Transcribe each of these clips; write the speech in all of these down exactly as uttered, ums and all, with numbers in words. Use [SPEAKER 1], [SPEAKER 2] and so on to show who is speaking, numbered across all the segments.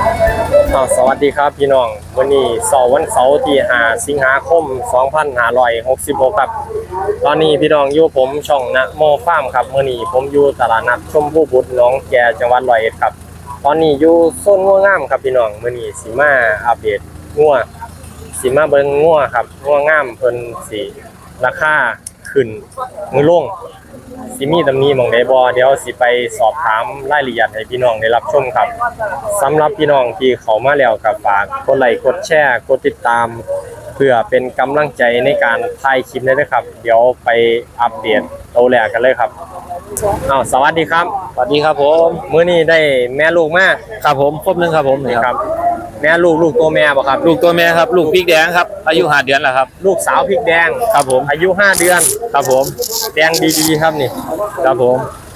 [SPEAKER 1] สวัสดีครับพี่น้องวันนี้เสาร์วันเสาร์ที่ห้าสิงหาคมสองพันห้าร้อยหกสิบหกครับตอนนี้พี่น้องอยู่ผมช่องนะโมฟาร์มครับมื้อนี้ผมอยู่ตลาดนัดชมพู่บุตรหนองแกจังหวัดร้อยเอ็ดครับตอนนี้อยู่โซนงัวงามครับพี่น้องมื้อนี้สิมาอัปเดตงัวสิมาเบิ่งงัวครับงัวงามเพิ่นสิราคาขึ้นมือลงสิมีตำหนิหม่องใดบ่เดี๋ยวสิไปสอบถามรายละเอียดให้พี่น้องได้รับชมครับสำหรับพี่น้องที่เข้ามาแล้วก็ฝากกดไลค์กดแชร์กดติดตามเพื่อเป็นกำลังใจในการถ่ายคลิปด้วยครับเดี๋ยวไปอัปเดตตัวแรกกันเลยครับอ้าวสวัสดีครับ
[SPEAKER 2] สวัสดีครับผม
[SPEAKER 1] มื้อนี้ได้แม่ลูกมา
[SPEAKER 2] ครับผมครบนึงครับผม
[SPEAKER 1] นี่ครับแม่ลูกลูกตัวแม่บ่ครับ
[SPEAKER 2] ลูกตัวแม่ครับลูกพริกแดงครับอายุห้าเดือนแล้วครับ
[SPEAKER 1] ลูกสาวพริกแดง
[SPEAKER 2] ครับผม
[SPEAKER 1] อายุห้าเดือน
[SPEAKER 2] ครับผม
[SPEAKER 1] แดงดีๆครับนี่
[SPEAKER 2] ครับผม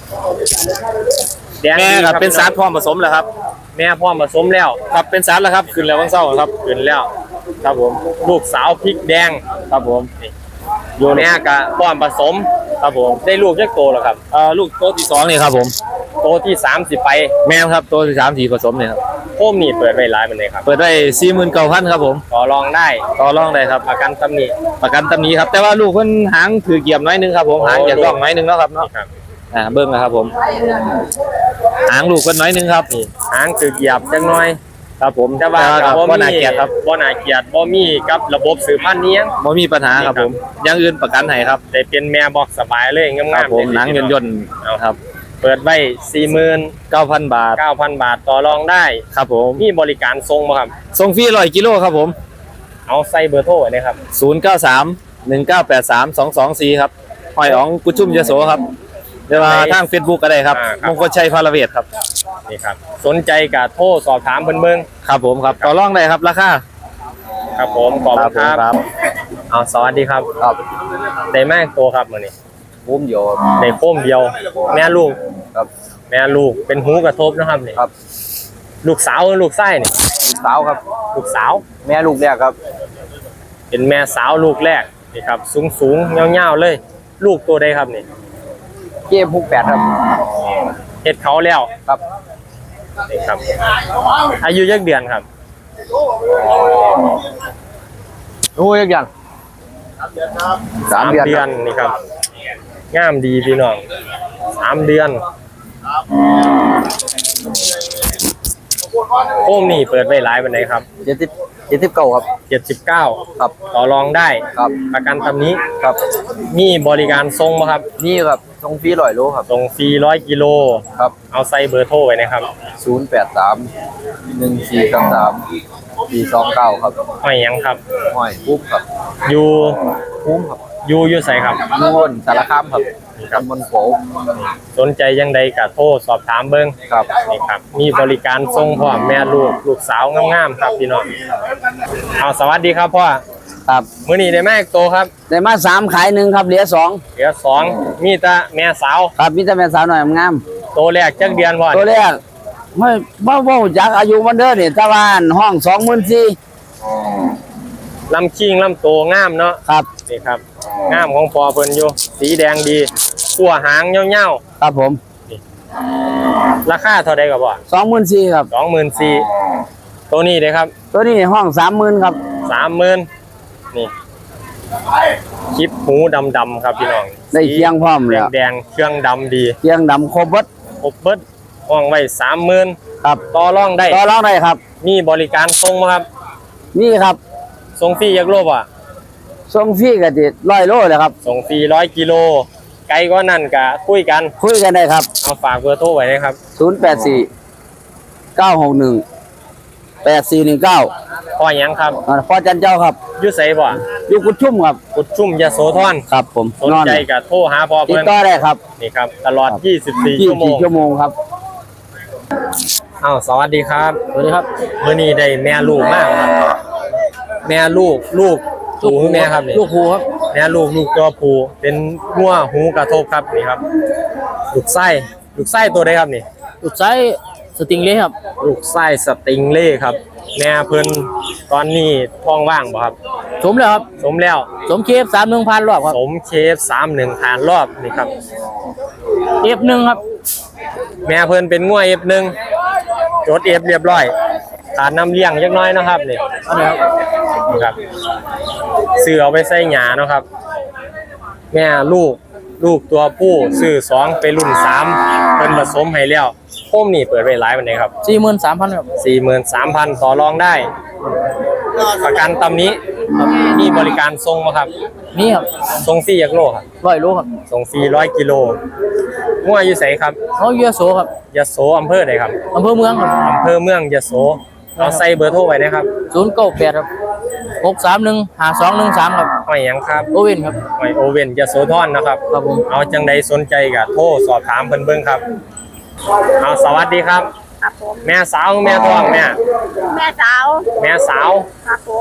[SPEAKER 2] แม่ครับเป็นสารพร้อมผสมแล้วครับ
[SPEAKER 1] แม่พร้อมผสมแล้ว
[SPEAKER 2] ครับเป็นสารแล้วครับขึ้นแล้ววันเสาร์ครับ
[SPEAKER 1] ขึ้นแล้ว
[SPEAKER 2] ครับผม
[SPEAKER 1] ลูกสาวพริกแดง
[SPEAKER 2] ครับผม
[SPEAKER 1] โยนแม่กะพร้อมผสม
[SPEAKER 2] ครับผม
[SPEAKER 1] ได้ลูกจักโตแล้วครับ
[SPEAKER 2] เอ่อลูกโตที่สองนี่ครับผม
[SPEAKER 1] โตที่สามสิไป
[SPEAKER 2] แม่ครับโตที่สามสี่ผสมเนี่ยครับ
[SPEAKER 1] โคมนี่เปิดไว้หลายปานใดครับ
[SPEAKER 2] เปิดได้ สี่หมื่นเก้าพัน ครับผม
[SPEAKER 1] ต่อรองได้
[SPEAKER 2] ต่อรองได้ครับ
[SPEAKER 1] ประกันตำหนิ
[SPEAKER 2] ประกันตำหนิครับแต่ว่าลูกเพิ่นหางถือเกียบน้อยนึงครับผมหางอยากร่องน้อยนึงเนาะครับเนาะอ่าเบิ่งนะครับผมหางลูกเพิ่นน้อยนึงครับ
[SPEAKER 1] นี่หางถือเกียบจังน้อย
[SPEAKER 2] ครับผม
[SPEAKER 1] แต่ว่าบ่น่าเกลียดครับบ่น่าเกลียดบ่มีกับระบบสืบพันธุ์นี้
[SPEAKER 2] บ่มีปัญหาครับผมอย่างอื่นประกันให้ครับ
[SPEAKER 1] ได้เป็นแม่บอกสบายเลยงาม
[SPEAKER 2] ๆผมหนังย่นๆครับ
[SPEAKER 1] เปิดไว้ สี่หมื่น
[SPEAKER 2] เก้าพัน บาท
[SPEAKER 1] เก้าพัน บาทต่อรองได้
[SPEAKER 2] ครับผม
[SPEAKER 1] มีบริการส่งบ่ครับ
[SPEAKER 2] ส่งฟรีหนึ่งร้อยกิโลครับผม
[SPEAKER 1] เอาใส่เบอร์โทรไว้นะครับ
[SPEAKER 2] ศูนย์ เก้า สาม หนึ่ง เก้า แปด สาม สอง สอง สี่ครับหอยอ๋องกุชุ่มยโสครับเดี๋ยวมาทาง Facebook ก็ได้ครับมงคลชัยพาราเวทครับ
[SPEAKER 1] นี่ครับสนใจก็โทรสอบถามเพิ่นเบิ่ง
[SPEAKER 2] ครับผมครับต่อรองได้ครับราคา
[SPEAKER 1] ครับผมขอบคุณครับเอาสวัสดีครับ
[SPEAKER 2] ครับ
[SPEAKER 1] ได้แม่โตครับมื้อนี้
[SPEAKER 2] พุ่มเดียว
[SPEAKER 1] ได้โคมเดียวแม่ลูก
[SPEAKER 2] ครับ
[SPEAKER 1] แม่ลูกเป็นหูกระทบนะครับนี่
[SPEAKER 2] ครับ
[SPEAKER 1] ลูกสาวหรือลูกไส้นี่
[SPEAKER 2] ลูกสาวครับ
[SPEAKER 1] ลูกสาว
[SPEAKER 2] แม่ลูกแรกครับ
[SPEAKER 1] เป็นแม่สาวลูกแรกนี่ครับสูงสูงเงาๆเลยลูกตัวใดครับนี่
[SPEAKER 2] เก้หกแปดครับ
[SPEAKER 1] เฮ็ดเขาแล้ว
[SPEAKER 2] ครับ
[SPEAKER 1] นี่ครับอายุยักเดือนครับ
[SPEAKER 2] โอ้ยยักเดือน
[SPEAKER 1] สามเดือนสามเดือนนี่ครับงามดีพี่น้องสามเดือนโอ้มนี่เปิดไว้หลายปานใดครับ
[SPEAKER 2] เจ็ดสิบเจ็ดสิบเก้าครับ
[SPEAKER 1] เจ็ดสิบเก้า
[SPEAKER 2] ครับ
[SPEAKER 1] ต่อรองได้
[SPEAKER 2] ครับ
[SPEAKER 1] ประกันตำนี้
[SPEAKER 2] ครับ
[SPEAKER 1] มีบริการส่งบ่ครับ
[SPEAKER 2] นี่ครับส่งฟรีร้อยโลครับ
[SPEAKER 1] ส่งฟรีร้อยกิโล
[SPEAKER 2] ครับ
[SPEAKER 1] เอาใส่เบอร์โทรไว้นะครับ
[SPEAKER 2] ศูนย์แปดสามหนึ่งสี่สามสามสี่สองเก้าครับ
[SPEAKER 1] ห้อยยังครับ
[SPEAKER 2] ห้อยปุ๊บครับ
[SPEAKER 1] อยู่
[SPEAKER 2] ปุ๊บครับ
[SPEAKER 1] อยู่อยู่ใส่ครับ
[SPEAKER 2] อยู่บนสารคามครับตำบลโขง
[SPEAKER 1] สนใจยังใดก็โทรสอบถามเบิ่ง
[SPEAKER 2] ครับ
[SPEAKER 1] นี่ครับมีบริการส่งพร้อมแม่ลูกลูกสาวงามๆครับพี่น้องเอาสวัสดีครับพ่อ
[SPEAKER 2] ครับ
[SPEAKER 1] มื้อนี้ได้แม่โตครับ
[SPEAKER 2] ได้มาสามขายหนึ่งครับเหลือสอง
[SPEAKER 1] เหลือสองมีแต่แม่สาว
[SPEAKER 2] ครับมีแต่แม่สาวหน่อยงาม
[SPEAKER 1] โตแรกจักเดือนพ่อ
[SPEAKER 2] โตแรกไม่บ่บ่จักอายุมันเด้อนี่ตะวันห้อง สองหมื่นสี่พัน
[SPEAKER 1] ลำคิงลำโตงามเนาะ
[SPEAKER 2] ครับ
[SPEAKER 1] นี่ครับงามของพ่อเพิ่นอยู่สีแดงดีขั่วหางเงา
[SPEAKER 2] ๆครับผม
[SPEAKER 1] ราคาเท่าใดก็บ่
[SPEAKER 2] สองหมื่นสี่พัน ครับ
[SPEAKER 1] สองหมื่นสี่พัน ตัวนี้เด้ครับ
[SPEAKER 2] ตัวนี้ห้อง สามหมื่น ครับ
[SPEAKER 1] สามหมื่น นี่คลิปหูดำๆครับพี่น้อง
[SPEAKER 2] ได้เคียงพร้อมแล้ว
[SPEAKER 1] แดงเครื่องดำดี
[SPEAKER 2] เคียงดำครบเบิด
[SPEAKER 1] ครบเบิดห้องไว้ สามหมื่น
[SPEAKER 2] ครับ
[SPEAKER 1] ต่อรองได้
[SPEAKER 2] ต่อรองได้ครับ
[SPEAKER 1] มีบริการส่งบ่ครับ
[SPEAKER 2] นี่ครับ
[SPEAKER 1] ส่งฟรีจักโลบ่
[SPEAKER 2] ส่งฟรีก็สิร้อยโลเลยครับ
[SPEAKER 1] ส่งฟรีร้อยกิโลไกลกว่านั้นก็คุยกัน
[SPEAKER 2] คุยกันได้ครับ
[SPEAKER 1] เอาฝากเบอร์โทรไว้นะครับ
[SPEAKER 2] ศูนย์ แปด สี่ เก้า หก หนึ่ง แปด สี่ หนึ่ง เก้า
[SPEAKER 1] พ่อหยังครับ
[SPEAKER 2] พ่อจันเจ้าครับ
[SPEAKER 1] อยู่ไสบ่
[SPEAKER 2] อยู่กุดชุ่มครับ
[SPEAKER 1] กุดชุ่มยโสธร
[SPEAKER 2] ครับผม
[SPEAKER 1] สนใจก็โทรหาพ่อเพิ่น
[SPEAKER 2] ติดต่อได้ครับ
[SPEAKER 1] นี่ครับตลอดยี่สิบสี่ชั่วโมง
[SPEAKER 2] ชั่วโมงครับ
[SPEAKER 1] อ้าวสวัสดีครับ
[SPEAKER 2] สวัสดีครับ
[SPEAKER 1] มื้อนี้ได้แม่ลูกมากครับแม่ลูกลูกหูแม่ครับนี่
[SPEAKER 2] ลูกหูครับ
[SPEAKER 1] แม่ลูกลูกตัวผู้เป็นงัวหูกระทบครับนี่ครับลูกไส้ลูกไส้ตัวใดครับนี่
[SPEAKER 2] ลูกไส้สติงเล่ครับ
[SPEAKER 1] ลูกไส้สติงเล่ครับแม่เพิ่นตอนนี้ท้องว่างบ่ครับ
[SPEAKER 2] สมแล้วครับ
[SPEAKER 1] สมแล้ว
[SPEAKER 2] สมเคฟสามหนึ่งพันรอบครับ
[SPEAKER 1] สมเคฟสามหนึ่งพันรอบนี่ครับ
[SPEAKER 2] เอฟหนึ่งครับ
[SPEAKER 1] แม่เพิ่นเป็นงัวเอฟหนึ่งจดเอฟเรียบร้อยขาดน้ำเลี้ยงจักหน้อยเนาะครับนี่
[SPEAKER 2] อันนี้ครับ
[SPEAKER 1] นะครับซื้อเอาไปใส่หญ้าเนาะครับ แม่ลูกลูกตัวผู้ซื้อสองไปรุ่นสามเพิ่นผสมให้แล้วโคมนี่เปิดไว้หลายปานใดครับ
[SPEAKER 2] สี่หมื่นสามพันครับ
[SPEAKER 1] สี่หมื่นสามพันต่อรองได้ ประกันตำนี้มีบริการส่งบ่ครับ
[SPEAKER 2] นี่ครับ
[SPEAKER 1] ส่งฟรีจักโลครับ
[SPEAKER 2] ร้อยโลครับ
[SPEAKER 1] ส่งฟรีร้อยกิโลงัวอยู่ไสครับ
[SPEAKER 2] เขาเยอะโสครับ
[SPEAKER 1] ยโสอำเภอใดครับ
[SPEAKER 2] อำเภอเมืองครับ
[SPEAKER 1] อำเภอเมืองยโสเอาใส่เบอร์โทรไว้นะครับ
[SPEAKER 2] ศูนย์เก้าแปดครับหกสามหนึ่งห้าสองหนึ่งสามครับ
[SPEAKER 1] ห้อยหยังครับ
[SPEAKER 2] โอเว่นครับ
[SPEAKER 1] ห้อยโอเว่นยโสธรนะครับ
[SPEAKER 2] ครับผม
[SPEAKER 1] เอาจังใดสนใจก็โทรสอบถามเพิ่นเบิ่งครับเอาสวัสดีครับ
[SPEAKER 3] ครับผม
[SPEAKER 1] แม่สาวแม่ท้องแม่
[SPEAKER 3] แม่สาว
[SPEAKER 1] แม่สาว
[SPEAKER 3] ครับผม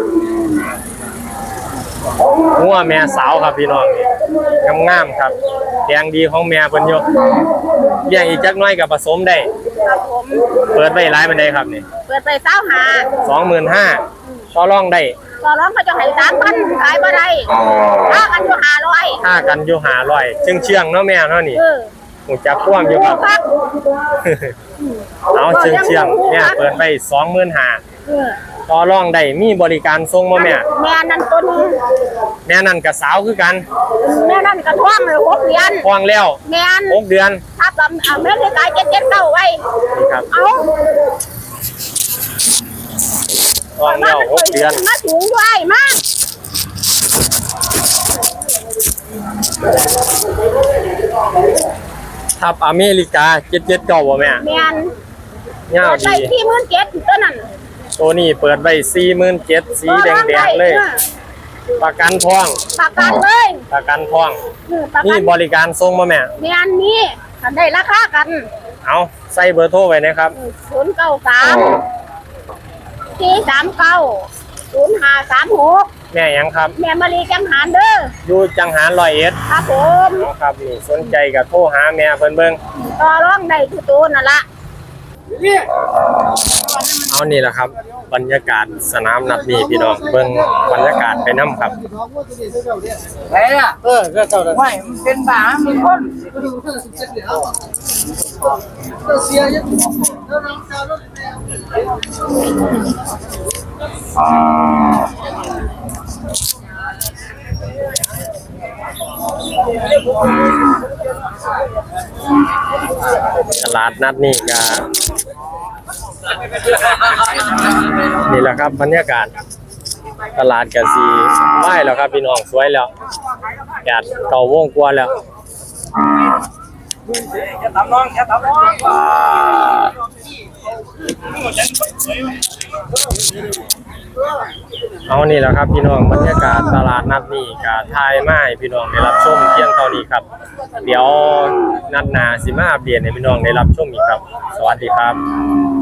[SPEAKER 1] งัวแม่สาวครับพี่น้องนี่งามๆครับแดงดีของแม่เพิ่นอยู่เลี้ยงอีกจักหน้อยก็ผสมได้
[SPEAKER 3] ครับผม
[SPEAKER 1] เปิดไว้หลายปานใดครับนี่
[SPEAKER 3] เปิดไปเศร้าหา
[SPEAKER 1] สองหมื่นห้าต่อรองได้
[SPEAKER 3] ต่อร้องเขาจะให้สามพันขายบ่ได้ถ้ากันอยู่ห้าร้อย
[SPEAKER 1] ค่ากันอยู่ห้าร้อยเชื่องเชื่องๆเนาะแม่เนาะนี่
[SPEAKER 3] เออ
[SPEAKER 1] หูจักกว้างอยู่ครับ
[SPEAKER 3] ครับ
[SPEAKER 1] เอาเชื่องเชื่องๆเนี่ยเปิดไปสองหมื่นห้า
[SPEAKER 3] เออ
[SPEAKER 1] ต่อรองได้มีบริการส่งบ่แม่
[SPEAKER 3] แม่นั่นตัวนี้
[SPEAKER 1] แม่นั่นกับสาวคือกัน
[SPEAKER 3] แม่นั่นกระท่วงเลยหกเดือน
[SPEAKER 1] ท้องแล้ว
[SPEAKER 3] แม่น
[SPEAKER 1] หกเดือน
[SPEAKER 3] ถ้ากับแม่ได้ขายเจ็ดเจ็ดเก้าไว้
[SPEAKER 1] นี่ครับ
[SPEAKER 3] เอา
[SPEAKER 1] ท้องแล้วหกเดือน
[SPEAKER 3] มาถุงด้วยมา
[SPEAKER 1] ทับอเมริกาเจ็ดเจ็ดเก้าบ่แม่
[SPEAKER 3] แม่น
[SPEAKER 1] เงา
[SPEAKER 3] เปิดไป
[SPEAKER 1] ดี
[SPEAKER 3] ที่หมื่นเจ็ดตัวนั้น
[SPEAKER 1] ตัวนี้เปิดไว้สี่หมื่นเจ็ดสีแดงๆเลย ประกันท้อง
[SPEAKER 3] ประกันเลย
[SPEAKER 1] ประกันท้อง
[SPEAKER 3] เออประกั
[SPEAKER 1] นี่
[SPEAKER 3] น
[SPEAKER 1] บริการส่งบ่แม่
[SPEAKER 3] แม่นนี่ทันได้ราคากัน
[SPEAKER 1] เอาใส่เบอร์โทรไว้นะครับ
[SPEAKER 3] ศูนย์เก้าสามสี่สามเก้าศูนย์ห้าสามหก
[SPEAKER 1] แม่หยังครับ
[SPEAKER 3] แม่มารีจังหารเด้อ
[SPEAKER 1] อยู่จังหารร้อยเอ็ด
[SPEAKER 3] ครับผม
[SPEAKER 1] เอาครับนี่สนใจก็โทรหาแม่เพิ่นเบิ่ง
[SPEAKER 3] ต่อร้องได้ทุกตัวนั่นละ
[SPEAKER 1] เอานี่แหละครับ บรรยากาศสนามนัดนี้พี่น้องเบิ่งบรรยากาศไปนํครับ
[SPEAKER 2] ไหนอ่ะเออก็เจ้าเลยไม่มันเป็นบ้ามีคน
[SPEAKER 1] ตลาดนัดนี่ก็นี่แหละครับบรรยากาศตลาดก็สิไหว้แล้วครับพี่น้องสวยแล้วแดดเก่าวงกว่าแล้ว
[SPEAKER 2] จะทำน้องจะทำน้อง
[SPEAKER 1] เอานี่แหละครับพี่น้องบรรยากาศตลาดนัดนี่ก็ทายมาให้พี่น้องได้รับชมเพียงเท่านี้ครับ เดี๋ยวนัดหน้าสิมาอัปเดตให้พี่น้องได้รับชมอีกครับ สวัสดีครับ